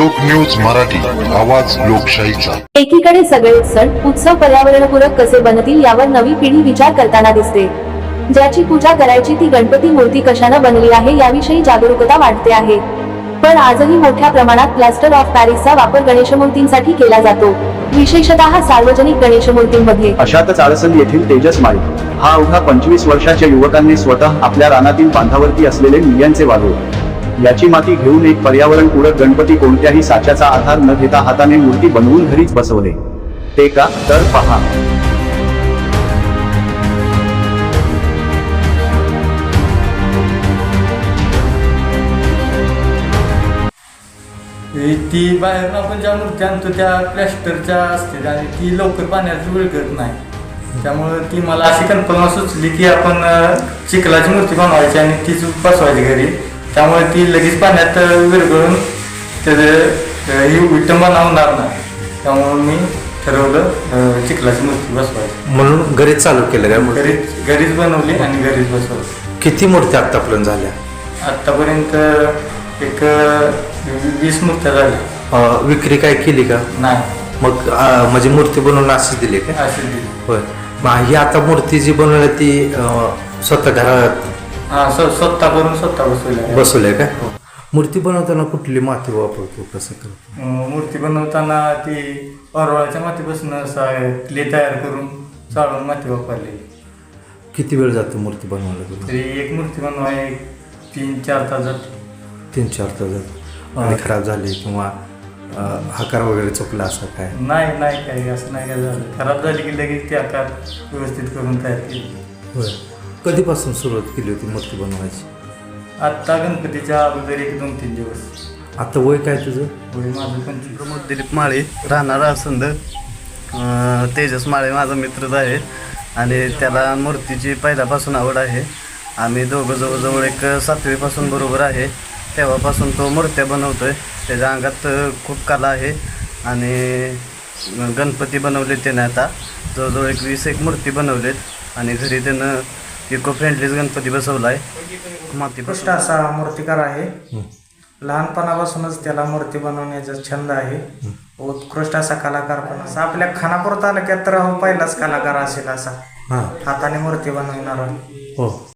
लोक न्यूज मराठी, आवाज लोकशाहीचा। एकीकडे सगळे सण उत्सव पर्यावरणपूरक कसे बनतील यावर नवी पिढी विचार करताना दिसते। ज्याची पूजा करायची ती गणपती मूर्ती कशाने बनली आहे याविषयी जागरूकता वाढते आहे। पण आजही मोठ्या प्रमाणात प्लास्टर ऑफ पॅरिसचा वापर गणेशमूर्तींसाठी केला जातो, विशेषतः सार्वजनिक गणेशमूर्तींमध्ये। अशातच आळसंद येथील तेजस माळी हा अवघा 25 वर्षाच्या युवकांनी स्वतः आपल्या रानातील बांधावरती असलेले मुल्यांचे वाळू याची माती घेऊन एक पर्यावरणपूरक गणपती कोणत्याही साच्याचा आधार न घेता हाताने मूर्ती बनवून घरीच बसवले। ते का तर पहा। ती बाहेर आपण ज्या मूर्ती आणतो त्या प्लॅस्टरच्या असते आणि ती लवकर पाण्यात विरघळत नाही। त्यामुळे ती मला अशी कल्पना सुचली की आपण चिखलाची मूर्ती बनवायची आणि तीच बसवायची घरी, त्यामुळे ती लगेच पाण्यात विरघळून त्याचे विटंबना होणार नाही। त्यामुळे मी ठरवलं चिखलाची मूर्ती बसवायची, म्हणून घरीच चालू केलं काय? घरीच बनवली आणि घरीच बसवली। किती मूर्ती आतापर्यंत झाल्या? आतापर्यंत एक 20 मूर्त्या झाल्या। विक्री काय केली का? नाही। मग म्हणजे मूर्ती बनवून अशी दिली का? अशी दिली। होय। मग ही आता मूर्ती जी बनवली ती स्वतः घरात स्वतः करून स्वतः बसवलंय का? मूर्ती बनवताना कुठली माती वापरतो, कसं करतो? मूर्ती बनवताना ती परवाळ्याच्या मातीपासून क्ले तयार करून चाळून माती वापरली। किती वेळ जातो मूर्ती बनवायला? तरी एक मूर्ती बनवाय 3-4 तास जातो। 3-4 तास जातो। आणि खराब झाली किंवा आकार वगैरे चुकला असं काय? नाही काही असं नाही काय झालं। खराब झाली की लगेच ती आकार व्यवस्थित करून तयार केली। होय। कधीपासून सुरुवात केली होती मूर्ती बनवायची? आत्ता गणपतीच्या अगोदर 1-2-3 दिवस। आता वय काय तुझं? वय माझं 25। प्रमोद दिलीप माळे, राहणार आळसंद। तेजस माळे माझा मित्रच आहे आणि त्याला मूर्तीची पहिल्यापासून आवड आहे। आम्ही दोघं जवळजवळ एक 7वीपासून बरोबर आहे, तेव्हापासून तो मूर्त्या बनवतोय। त्याच्या अंगात खूप कला आहे आणि गणपती बनवले त्याने आता जवळजवळ 20 मूर्ती बनवलेत आणि घरी त्यानं इको फ्रेंडलीच गणपती बसवला आहे। उत्कृष्ट असा मूर्तिकार आहे। लहानपणापासूनच त्याला मूर्ती बनवण्याचा छंद आहे। उत्कृष्ट असा कलाकार पण असा आपल्या खानापूर तालुक्यात तर पहिलाच कलाकार असेल असा हाताने मूर्ती बनवणारा। हो।